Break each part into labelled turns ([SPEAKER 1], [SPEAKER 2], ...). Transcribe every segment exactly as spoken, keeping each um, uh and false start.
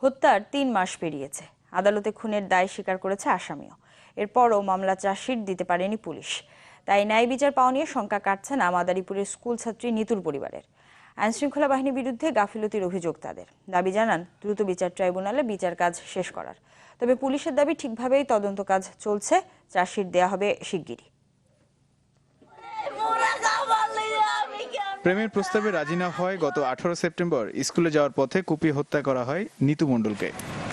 [SPEAKER 1] হত্যার তিন মাস পেরিয়েছে। আদালতে খুনের দায় স্বীকার করেছে আসামিও। এরপরও মামলা চার্জশিট দিতে পারেনি পুলিশ। তাই ন্যায় বিচার পাওয়া নিয়ে শঙ্কা কাটছে না মাদারীপুরের স্কুল ছাত্রী নিতুর পরিবারের। আইনশৃঙ্খলা বাহিনীর বিরুদ্ধে গাফিলতির অভিযোগ তাদের। দাবি জানান দ্রুত বিচার ট্রাইব্যুনালে বিচার কাজ শেষ করার। তবে পুলিশের দাবি ঠিকভাবেই তদন্ত কাজ চলছে, চার্জশিট দেয়া হবে শিগগিরই।
[SPEAKER 2] প্রেমের প্রস্তাবে রাজি না হয় গত আঠারো সেপ্টেম্বর স্কুলে যাওয়ার পথে কুপিয়ে হত্যা করা হয় নিতু মণ্ডলকে।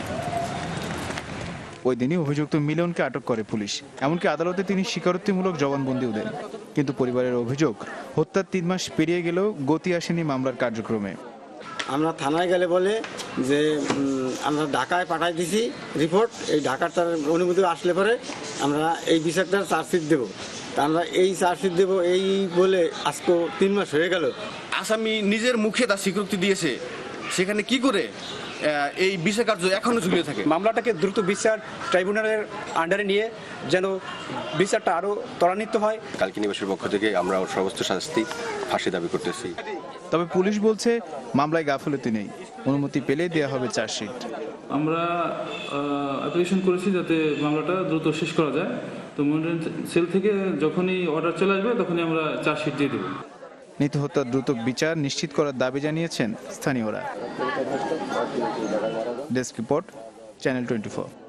[SPEAKER 2] ওই দিনই অভিযুক্ত মিলনকে আটক করে পুলিশ। এমনকি আদালতে তিনি স্বীকারোক্তিমূলক জবানবন্দিও দেন। কিন্তু পরিবারের অভিযোগ, হত্যার তিন মাস পেরিয়ে গেলেও গতি আসেনি মামলার কার্যক্রমে।
[SPEAKER 3] আমরা থানায় গেলে বলে যে আমরা ঢাকায় পাঠাই দিছি রিপোর্ট, এই ঢাকার তার অনুমতি আসলে পরে আমরা এই বিষয়টা চার্জশিট দেবো। তা আমরা এই চার্জশিট দেবো এই বলে আজকে তিন মাস হয়ে গেল।
[SPEAKER 4] আসামি নিজের মুখে তার স্বীকৃতি দিয়েছে, সেখানে কি করে এই বিচার কার্য এখনো ঝুলিয়ে থাকে?
[SPEAKER 5] মামলাটাকে দ্রুত বিচার ট্রাইব্যুনালের আন্ডারে নিয়ে যেন বিচারটা আরো ত্বরান্বিত হয়।
[SPEAKER 6] কালকি নিবাসের পক্ষ থেকে আমরা ওর সর্বোচ্চ শাস্তি ফাঁসি দাবি করতেছি।
[SPEAKER 2] তবে পুলিশ বলছে মামলায় গাফিলতি নেই, অনুমতি পেলে দেওয়া হবে চার্জশিট।
[SPEAKER 7] আমরা অ্যাপ্লিকেশন করেছি যাতে মামলাটা দ্রুত শেষ করা যায়। তো মনিটরিং সেল থেকে যখনই অর্ডার চলে আসবে তখনই আমরা চার্জশিট দিয়ে দেব।
[SPEAKER 2] নিতু হত্যার দ্রুত বিচার নিশ্চিত করার দাবি জানিয়েছেন স্থানীয়রা। Desk report, channel twenty four.